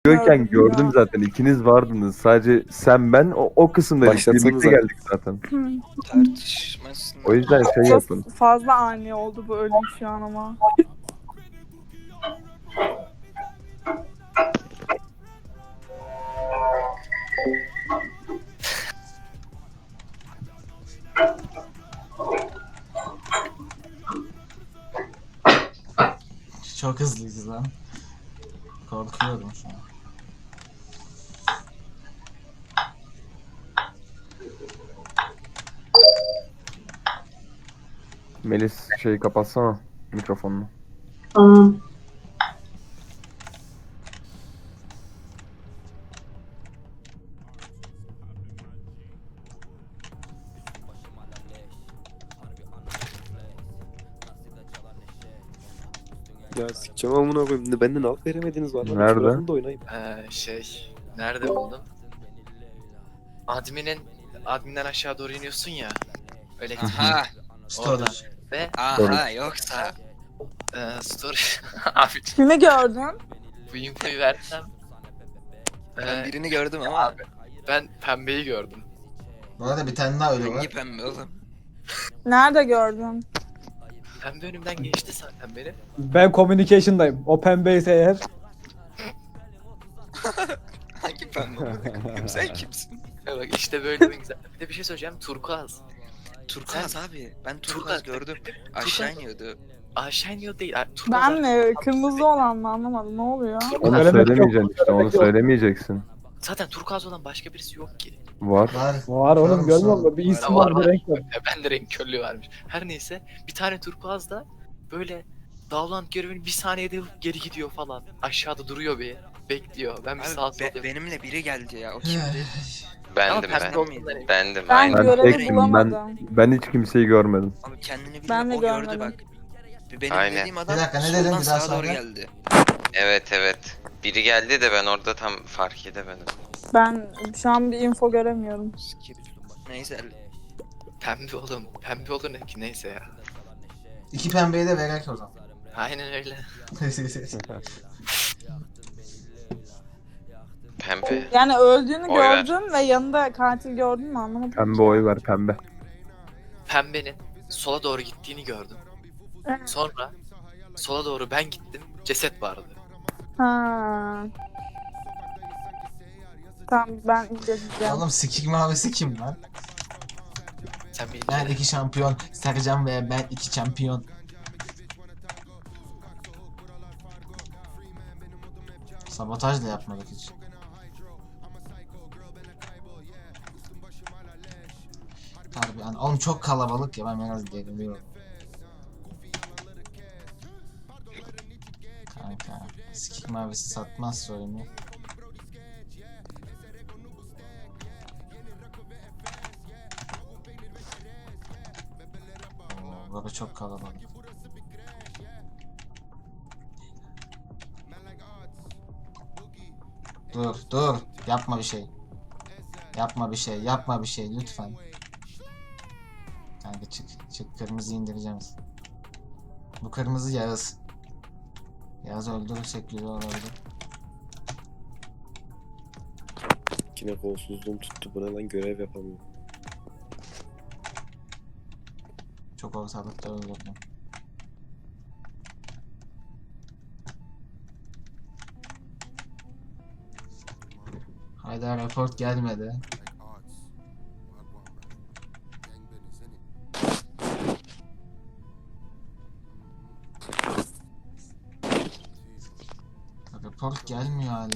Diyorken gördüm zaten ikiniz vardınız. Sadece sen ben o kısımdaydık. Başlatsanıza. Birlikte geldik zaten. Tartışmasın. O yüzden şey Biraz yapın. fazla ani oldu bu ölüm şu an ama. Çok hızlıyız lan. Korkuyorum şu an. Melis şeyi kapatsana mikrofonunu. Tamam. Ya sikeceğim amına koyayım. Benden al veremediniz vallahi. Nerede? Şurasını da oynayayım. Nerede buldum? Adminden aşağı doğru iniyorsun ya. Öyle Aha. orada. Storage. Ve Aha, yoksa story abi Kimi gördün? bu infoyu versem Ben birini gördüm ama ben pembeyi gördüm. Bu arada bir tane daha ölü hangi var. pembe oğlum? Nerede gördün? Pembe önümden geçti zaten benim. Ben communication'dayım. O pembeyse eğer. Hangi pembe oğlum? Sen kimsin? Ya bak işte böyle bir güzel. Bir de bir şey söyleyeceğim. Turkuaz. Turkuaz abi. Ben Turkuaz gördüm. Aşağı iniyordu. Aşağı iniyor değil. Turkuaz Ben mi? Kırmızı olan mı anlamadım. Ne oluyor? Onu Söylemek söylemeyeceksin işte. Onu söylemeyeceksin. Zaten turkuaz olan başka birisi yok ki. Var. Var. Var oğlum Var, görmüyor var. musun? Bir isim Var, var, bir var. renk var. Ben de renk körlüğü varmış. Her neyse bir tane turkuaz da böyle Dağlant görevini bir saniyede geri gidiyor falan. Aşağıda duruyor bir. Bekliyor. Ben bir sağa Abi sola benimle biri geldi ya. O kimdi? Bendim Ama ben. pembe olduğundan eminim. Bendim Ben aynen. Ben görevi tektim. bulamadım. Ben hiç kimseyi görmedim. Abi kendini Ben bilmiyor. de O gördü görmedim. bak. Benim Aynen. dediğim adam Bir dakika, ne dedin? soldan Bir daha sağa doğru söyle. geldi. Evet. Biri geldi de ben orada tam fark edemedim. Ben şu an bir info göremiyorum. Skip. Neyse. Pembe oğlum. Pembe olur ne ki neyse ya. İki pembeyi de verek o zaman. Aynen öyle. Pembe. Yani öldüğünü Oy ver. gördüm ve yanında katil gördün mü anlamadım. Pembe oy ver pembe. Pembenin sola doğru gittiğini gördüm. Sonra sola doğru ben gittim. Ceset vardı. Ha. Tamam ben izleyeceğim. Oğlum sikik mavisi kim lan? Sen bir Ben iki şampiyon. Sercan ve ben iki şampiyon. Sabotaj da yapmadık hiç. Harbi yani oğlum çok kalabalık ya ben biraz geriliyorum. Kanka sikik mavisi satmaz söylemiyor. Oo, burada çok kalabalık. Dur yapma bir şey. Yapma bir şey lütfen. Kanka çık kırmızı indireceğiz. Bu kırmızı Yağız. Yağız öldürürsek güzel olabilir. Yine kolsuzluğum tuttu. Buna lan görev yapamıyorum. Çok ortalıkta öldürdüm. Hayda report gelmedi. Report gelmiyor hala.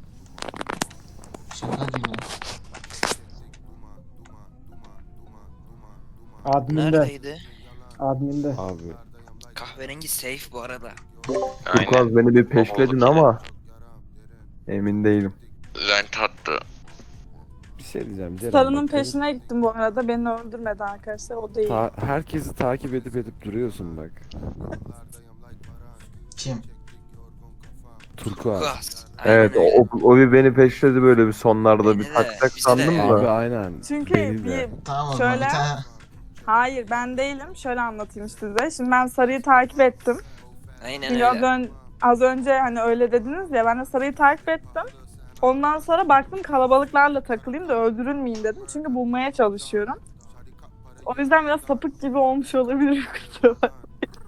Şaka gibi. Admin'de. Neredeydi? Admin'de. Abi. Kahverengi safe bu arada. Aynen. Turkuaz beni bir peşledin Babalık ama emin değilim. Rent attı. Bir şey diyeceğim. Ceren, Sarının bak, peşine gittim bu arada. Beni öldürmedi arkadaşlar. O değil. herkesi takip edip duruyorsun bak. Kim? Turkuaz. Turkuaz. Evet Aynen öyle. o bir beni peşledi böyle bir sonlarda Beni bir de, takacak bizi de sandım ya. Abi da. aynen. Çünkü Beni de. bir... Tamam o zaman Şöyle. bir tane. Hayır ben değilim. Şöyle anlatayım size. Şimdi ben sarıyı takip ettim. Aynen Çünkü öyle. az önce hani öyle dediniz ya ben de sarıyı takip ettim. Ondan sonra baktım kalabalıklarla takılayım da öldürülmeyeyim dedim. Çünkü bulmaya çalışıyorum. O yüzden biraz sapık gibi olmuş olabilir. Kusura bakmayın.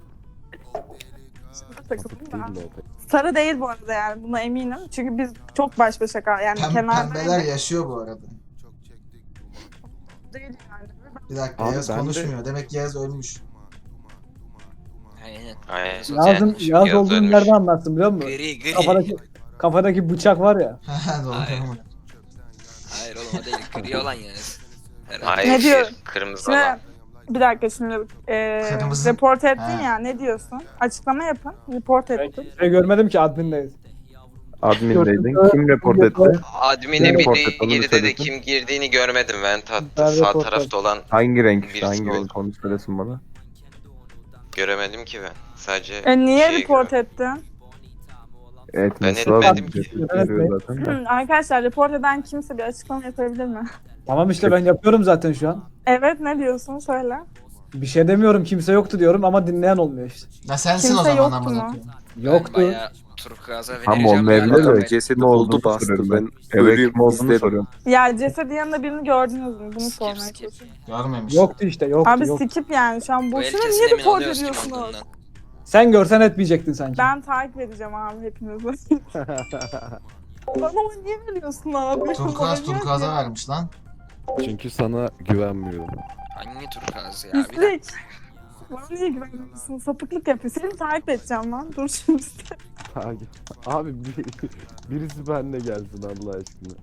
Şimdi takılayım da. Sarı değil bu arada yani buna eminim. Çünkü biz çok baş başa yani kenarda Pembeler yaşıyor bu arada. değil yani. Bir dakika Abi Yağız ben de- konuşmuyor. Demek ki Yağız ölmüş. Aynen. Aynen. Yazın Yani, yaz yaz olduğunu ölmüş. nereden anlattın biliyor musun? Gri. Kafadaki bıçak var ya. Doğru. Hayır. Hayır oğlum o değil. Gri olan yani. Herhalde. Hayır, Ne diyor? kırmızı Şimdi olan. bir dakika şimdi Kırmızı- report ettin Ha. ya ne diyorsun? Açıklama yapın. Report Ben ettim. kimseyi görmedim ki admindeyiz. Admin'deydin. Kim report etti? Admin'e Report biri et, onu girdi de söylesin. kim girdiğini görmedim ben. Ben Sağ report tarafta olan Hangi renk Birisi işte? Hangi oldu. renk? Onu söylesin bana. göremedim ki ben. Sadece Niye şeyi report gördüm. ettin? Evet, Ben mesela etmedim bir ki. report veriyor zaten de. Arkadaşlar report eden kimse bir açıklama yapabilir mi? Tamam işte ben yapıyorum zaten şu an. Evet ne diyorsun söyle. Bir şey demiyorum kimse yoktu diyorum ama dinleyen olmuyor işte. Ya sensin Kimse o zaman yoktu amına mu? koyayım. Yoktu. Ben bayağı turkuaza Tam vereceğim. olmayabilir galiba. de. Cesedi Kim olduğunu buldu bastı. soruyorum Ben Evet ölüyüm kim olduğunu istedim. soruyorum. Ya cesedin yanında birini gördünüz mü? Bunu Skip, sormaya skip. çalışıyorum. Görmemiş. Yoktu işte yoktu Abi yok. skip yani şu an Bu el boşuna kesin niye emin report oluyoruz kim ediyorsunuz? olduğundan. Sen görsen etmeyecektin sanki. Ben takip edeceğim abi hepinizi. Bana niye veriyorsun abi? Turkuaz Bana turkuaza niye- vermiş lan. Çünkü sana güvenmiyorum. Hangi turkuaz ya? Bir dakika. Pislik. Bana niye güvenmiyorsun? Sapıklık yapıyor. Seni takip edeceğim lan. Dur şimdi. Abi birisi benimle gelsin Allah aşkına.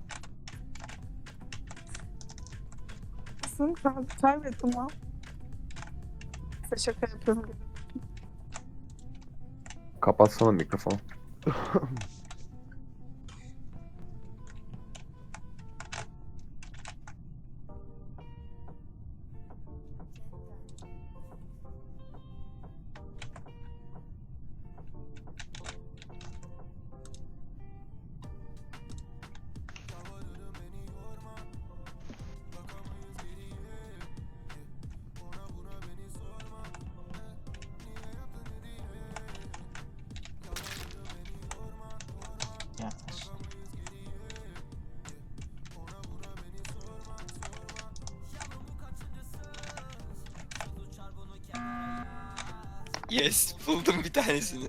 Sen kaybettim lan. Size şaka yapıyorum. Kapatsana mikrofonu. Yaklaş. Yes buldum bir tanesini.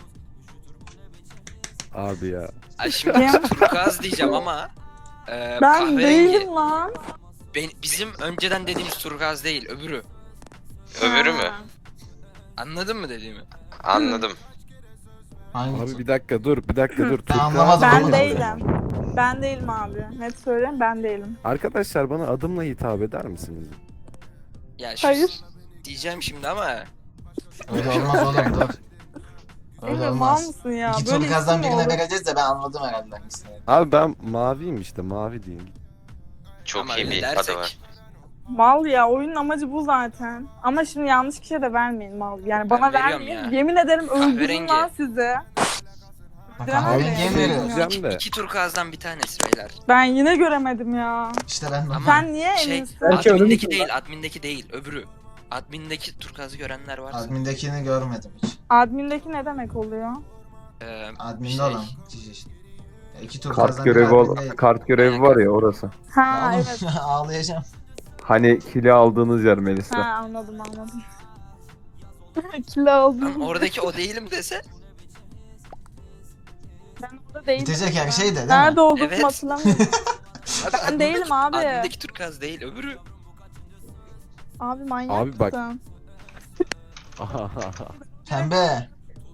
Abi ya. Ay şimdi turkuaz diyeceğim ama Ben kahverengi. değilim lan. Bizim önceden dediğimiz turkuaz değil öbürü. Öbürü mü? Ha. Anladın mı dediğimi? Anladım. Hangi Abi bir dakika dur. Ben anlamadım. Ben oğlum. değilim. Ben değilim abi. Net söyleyeyim ben değilim. Arkadaşlar bana adımla hitap eder misiniz? Ya şu Hayır. diyeceğim şimdi ama Öyle olmaz oğlum dur. Öyle Emre mal olmaz. mısın ya? İki Böyle turkuazdan isim mi birine olur? vereceğiz de ben anladım herhalde hangisini. Abi ben maviyim işte mavi diyeyim. Çok ama iyi öyle bir dersek. adı var. Mal ya oyunun amacı bu zaten. Ama şimdi yanlış kişiye de vermeyin mal. Yani bana veriyorum vermeyin. ya. Yemin ederim öldürürüm Kahverengi. lan sizi. Bak Bilemem kahverengiye mi de. veriyoruz? Diyeceğim de. İki turkuazdan bir tanesi beyler. Ben yine göremedim ya. İşte ben de. Ama- Sen niye Şey, eminsin? Belki admindeki ölümsün değil, admindeki değil, öbürü. Admindeki turkuazı görenler varsa. Admindekini görmedim hiç. Admindeki ne demek oluyor? Adminde Şey, olan. Cici. Ya İki turkuazdan Kart biri görevi admindeydi. kart görevi var ya orası. Ha Ya oğlum, evet. ağlayacağım. Hani kili aldığınız yer Melisa. Ha anladım. Kilo aldım. Ama oradaki o değilim dese. Ben orada değilim. Bitecek her şey de değil Nerede mi? olduğumu Evet. hatırlamıyorum. Abi, Ben admindeki- değilim abi. Admindeki turkuaz değil, öbürü. Abi manyak Abi bak- mısın? Pembe.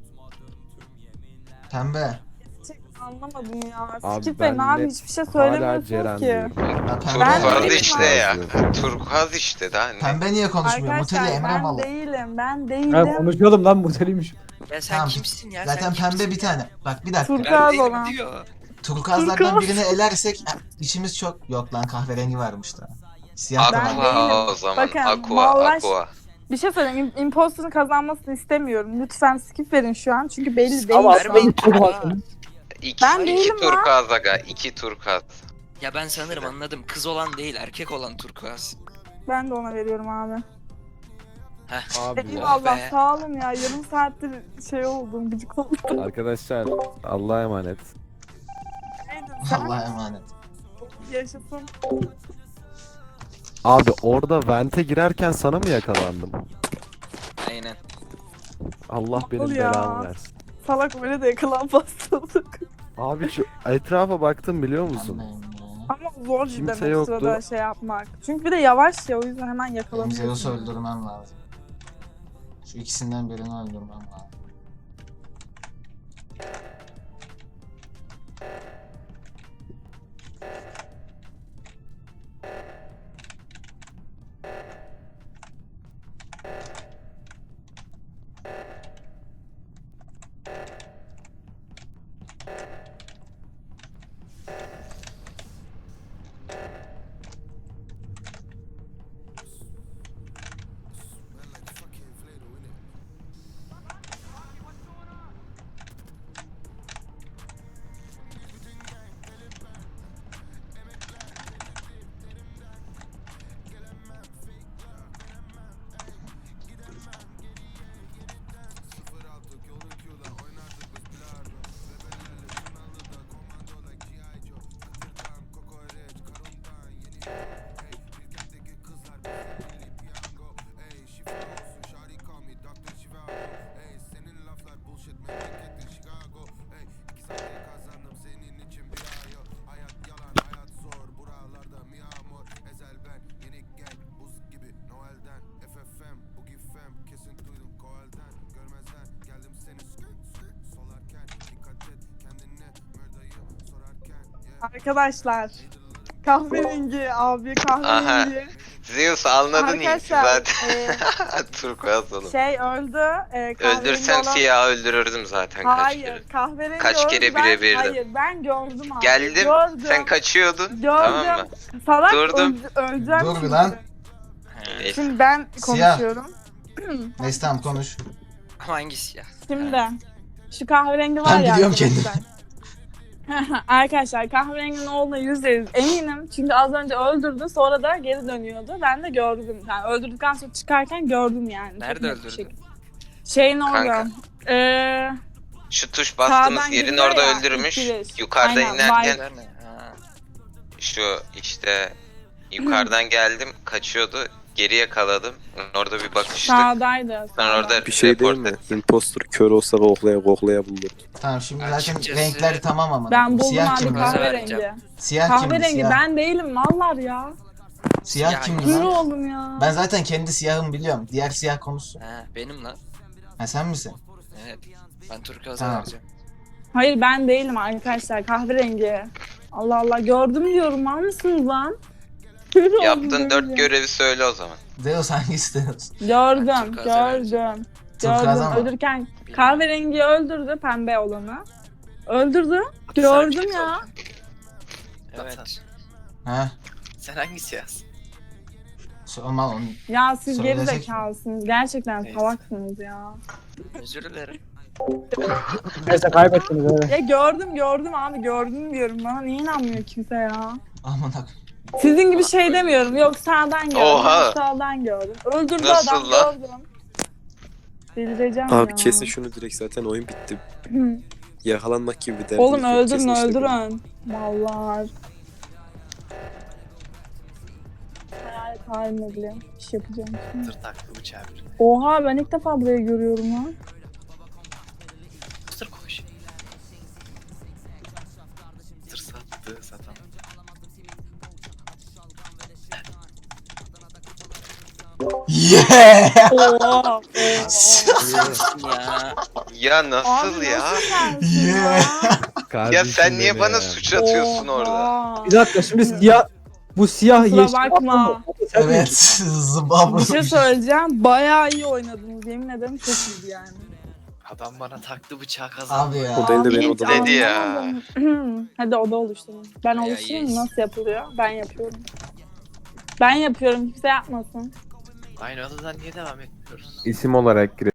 Pembe. Gerçekten anlamadım ya. Abi Skip ben Bey abi net hiçbir şey Hala söylemiyorsun Ceren ki. diyorum. Ben Turkuaz değilim işte abi. ya. Turkuaz işte daha ne? Pembe niye konuşmuyor? Arkadaşlar Muteli Emre ben malı. değilim. Ben Ha değilim. konuşuyordum lan bu teliymiş. Ya sen Tamam, kimsin ya? Zaten sen pembe kimsin bir ya? tane. Bak bir dakika. Turkuaz Ben değilim olan. diyor. Turkuazlardan Turkuaz. birini elersek işimiz çok... Yok lan kahverengi varmış da. Siyah da Ben var. değilim. Aqua o zaman. Bakın, Aqua, vallahi- Aqua. Bir şey söyleyeyim. Imposter'ın kazanmasını istemiyorum. Lütfen skip verin şu an. Çünkü belli değil. Ama şu an. Vermeyin. İki, Ben iki değilim lan. turkuaz aga. İki turkuaz. Ya ben sanırım anladım. Kız olan değil, erkek olan turkuaz. Ben de ona veriyorum abi. Heh. Abi ya. Eyvallah be. sağ olun ya. Yarım saattir şey oldum. Gıcık oldum. Arkadaşlar Allah'a emanet. Neydi Allah'a emanet. Yaşasın. Abi orada vente girerken sana mı yakalandım? Aynen. Allah benim Nasıl ya? belamı versin. Salak öyle de yakalanmazsın. Abi şu etrafa baktım biliyor musun? Anlayın ya. Ama zor Kimse cidden o yoktu. sırada şey yapmak. Çünkü bir de yavaş ya o yüzden hemen Benim yakalanıyorsun. Zeus'u öldürmem lazım. Şu ikisinden birini öldürmem lazım. Arkadaşlar. Kahverengi abi kahverengi. Zeus anladın iyi Arkadaşlar, zaten. Turkuaz oğlum. Şey öldü. Kahverengi Öldürsem olan- siyahı öldürürdüm zaten kaç kere. Hayır kahverengi Kaç öldü. kere Ben- birebirdim. Hayır ben gördüm abi. Geldim, Gördüm. sen kaçıyordun. Gördüm. Tamam mı? Salak Durdum. öleceğim Dur bir şimdi. lan. Neyse. Şimdi ben Siyah. konuşuyorum. Neyse tamam konuş. Ama hangisi ya? Şimdi şu kahverengi var Ben ya biliyorum arkadaşlar. Arkadaşlar kahverenginin olduğuna %100 eminim. Çünkü az önce öldürdü sonra da geri dönüyordu. Ben de gördüm. Yani öldürdükten sonra çıkarken gördüm yani. Çok Nerede net bir öldürdün? şekilde. Şeyin orada. Kanka. Şu tuş bastığımız Sağdan yerin giriyor orada ya, öldürmüş. ikili. Yukarıdan Aynen, inerken Nerede? Ha. şu işte yukarıdan geldim kaçıyordu. Geri yakaladım. Orada bir bakıştık. Sağdaydı. Sonra orada Bir şey değil mi? Impostor kör olsa koklaya bulur. Tamam şimdi Ben zaten açıkçası- renkler tamam ama. Ben buldum Siyah abi kimdi? kahverengi. Siyah kimdi? Kahverengi Siyah. ben değilim mallar ya. Siyah Siyah kimdi Kör lan? oldum ya. Ben zaten kendi siyahımı biliyorum. Diğer siyah konusu. Ha, benim lan. Ha sen misin? Evet. Ben turkuaz'a Tamam. vereceğim. Hayır ben değilim arkadaşlar kahverengi. Allah Allah gördüm diyorum mal mısınız lan? Kör oldum Yaptığın 4 böyle. görevi söyle o zaman. Zeus hangisi Zeus? Gördüm, Turkuaz'a vereceğim. gördüm. Turkuaz'a Gördüm. mı? Öldürken kahverengiyi öldürdü pembe olanı. Öldürdü. Gördüm Sarı ya. Evet. Ha? Sen hangisi yaz? Sorma onu. Ya siz geri Söylesek mi? zekalısınız. Gerçekten Neyse. salaksınız ya. Özür dilerim. Neyse kaybettiniz öyle. Ya gördüm abi gördüm diyorum. Bana niye inanmıyor kimse ya? Aman ak. Sizin gibi şey demiyorum. Yok sağdan gördüm. Oha. Yok sağdan gördüm. Öldürdü Nasıl adam lan? gördüm. Delireceğim Abi ya. kesin şunu direkt zaten oyun bitti. Hı. Yakalanmak gibi bir derdiniz Oğlum yok. öldürün Kesin işte öldürün. Vallahi. Hayalet haline bile iş yapacağım şimdi. Tır taktı bıçağı birine. Oha ben ilk defa burayı görüyorum lan. Tır koş. Tır sattı satan. Yeah! Oha. Ya. Ya nasıl Abi ya? nasıl sensin ya? Ya Kardeşim sen niye benim bana ya. suç atıyorsun orada? Oha. Bir dakika şimdi siyah bu siyah Kusura yeşil bakma. Sen Evet. miydin? Zıbabı. Bir şey söyleyeceğim. Bayağı iyi oynadınız. Yemin ederim çok iyiydi yani. Adam bana taktı bıçağı kazandı. Abi ya. O değil de beni Hiç odada. Dedi ya. anlamadım. Hadi oda oluşturun. Ben Ya, oluşturayım mı? yes. Nasıl yapılıyor? Ben yapıyorum. Ben yapıyorum. Kimse yapmasın. Aynı odadan niye devam etmiyoruz? İsim olarak gir.